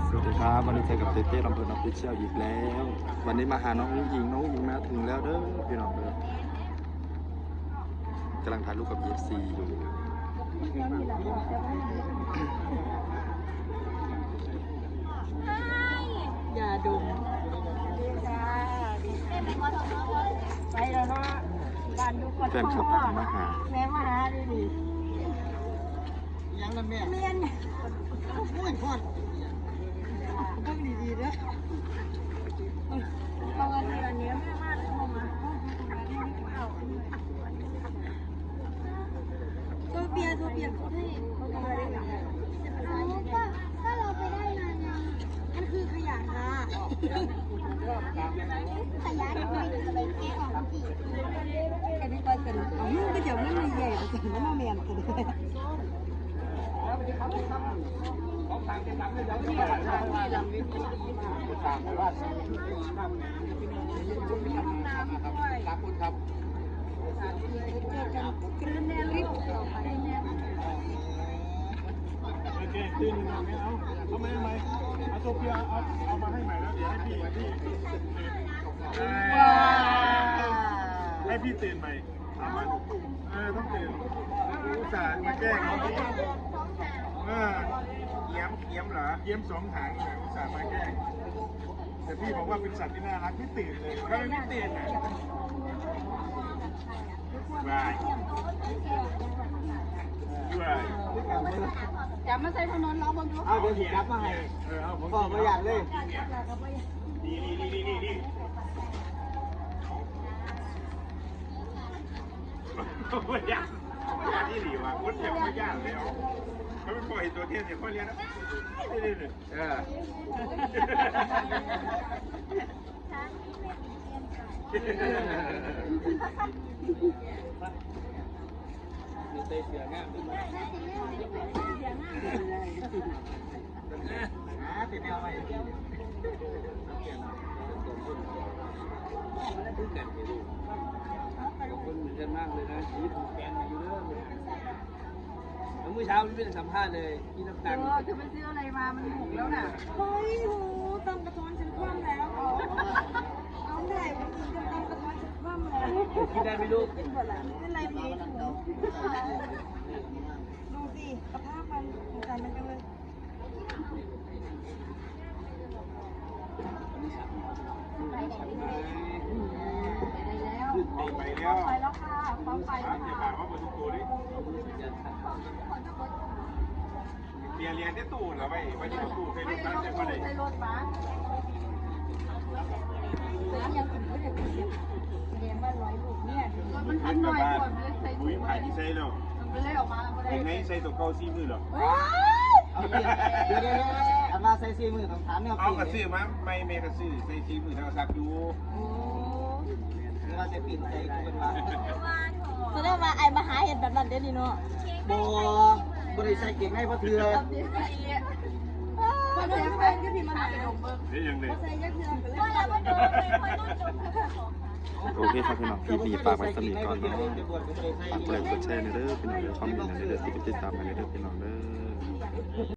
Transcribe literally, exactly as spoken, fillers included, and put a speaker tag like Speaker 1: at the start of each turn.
Speaker 1: สวัสดีครับวันนี้เจอกับเต้เต้ลำเพลินออฟฟิเชียลอีกแล้ว วันนี้มาหาน้องหญิงน้องหญิงมาถึงแล้วเด้อพี่น้องเด้อกำลังถ่ายรูปกับ เอฟ ซี อยู่
Speaker 2: อย่าดมไปแล้วเนาะบ้านดูคน
Speaker 1: แฟนคลับมาหา
Speaker 2: แม่มาหาดิดิ
Speaker 3: ยังนั่นแม่
Speaker 2: เมียน
Speaker 3: โอ้ยพอดต้องดีๆนะ
Speaker 2: เอาเงินเดือนนี้แม่มาเข้ามาตัวเบียร์ตัวเบียร์เขาให้เขาทำอะไรได้ไหมก็ก็เราไปได้มาไงมันคือขยะค่ะขยะที่ไม่ได้ไปแก้ของจีกันนี่ไปกันอ๋อก็จะไม่มีใหญ่แต่ไม่มาเมียนกันเลย
Speaker 3: ครับคุณครับโอเคตื่นหนึ่งไม่เอาเอาไม่ให้ไหมเอาโซเฟียเอาเอามาให้ใหม่แล้วเดี๋ยวให้พี่พี่ให้พี่ตื่นใหม่เอามาเออต้องตื่นอุตส่าห์มาแก้เขาเออเยี่ยมเยี่ยมเหรอเยี่ยมสองถังเลยอุตส่าห์มาแก้แต่พี่บอกว่าเป็นสัตว์ที่น่ารักพี่ตื่นเลยก็ไม่ตื่นอ่ะบายบาย
Speaker 2: จะมาใส่ถนนเราบนทุก
Speaker 3: เอาเดี๋ยวผมรับมาให้เออเอาผมบอกประหยัดเลยนี่นี่นี่นี่นี่ประหยัดประหยัดที่หลีว่ะคนเดียวไม่ยากเลยเอาเขาไม่ปล่อยตัวเทียนเดี๋ยวเขาเรียนนะนี่นี่นี่เออเตะเสือง่ามติดแนวใหม่พูดกันไปดูคนเหมือนกันมากเลยนะชีวิตของแฟนมาอยู่เรื่องแล้วเมื่อเช้าพี่เป็นสัมภาษณ์เลยพี่น้ำตาล
Speaker 2: เออจะไปซื้ออะไรมามันหกแล้วน่ะเฮ้ยโหตำกระท้อนฉันคว่ำแล้วเอาเอาเมื่อไหร่มันกินจะตำกระท้อนฉันคว่ำแล้ว
Speaker 3: คิดได้ไหมลูก
Speaker 2: เป็นหมดละเป็นไรพีดูดูสิสภาพมันสงสารมันจังเลย ไปแล้ว
Speaker 3: ไปแล้ว
Speaker 2: ไปแล้วค่ะฟ้องไปแล้ว
Speaker 3: อย่า
Speaker 2: ค่ะ
Speaker 3: บ่าวว่าบนตู้ดิเรียนเรียนที่ตู้เหรอไปไปที่ตู้เคย
Speaker 2: ไม่
Speaker 3: ดู
Speaker 2: ได้
Speaker 3: กัน
Speaker 2: รถ
Speaker 3: ใช่ไหม
Speaker 2: ตู้ในรถบัสน้ำยังกินก็จะกินเรียนว่าร้อยลูกเนี่ยมันทันหน่อยก่อนเลยใส่
Speaker 3: อุ้ยผ่านที่ใส่แล้ว
Speaker 2: มันเลยออกมาก็ได้
Speaker 3: ยังไงใส่ตัวเก่าซีมือหรอ
Speaker 4: เอาเดี๋ยวเดี๋ยวเดี๋ยวอันว่าใส่ซีมือต้องถามเนี่ย
Speaker 3: เอา
Speaker 4: ปี
Speaker 3: กระซื้อมาไม่เมกระซื้อใส่ซีมือทางซักอยู่
Speaker 4: หรือว่าจะปีนใจกันมา
Speaker 2: แสดงว่าไอ้มาหาเห็ดแบบนั้นเดี๋ยวนี้เนาะ
Speaker 4: บ่บ่ได้ใส่เก่งให้พ่อเถื่อ
Speaker 2: พอเสียแฟนก็พิมพ์มาหาดมเบิ้ง
Speaker 3: นี่ยังไง
Speaker 2: พอใส่ยักษ์เถื่อนก็เลยว่าดมไม่ค่อยนุ่มดม
Speaker 1: โอเคครับพี่น้องคลิปนี้ฝากไว้สนิทก่อนเนาะฝากกดไลค์กดแชร์ในเด้อพี่น้องเด้อคอมเมนต์ในเด้อติดตามในเด้อพี่น้องเด้อ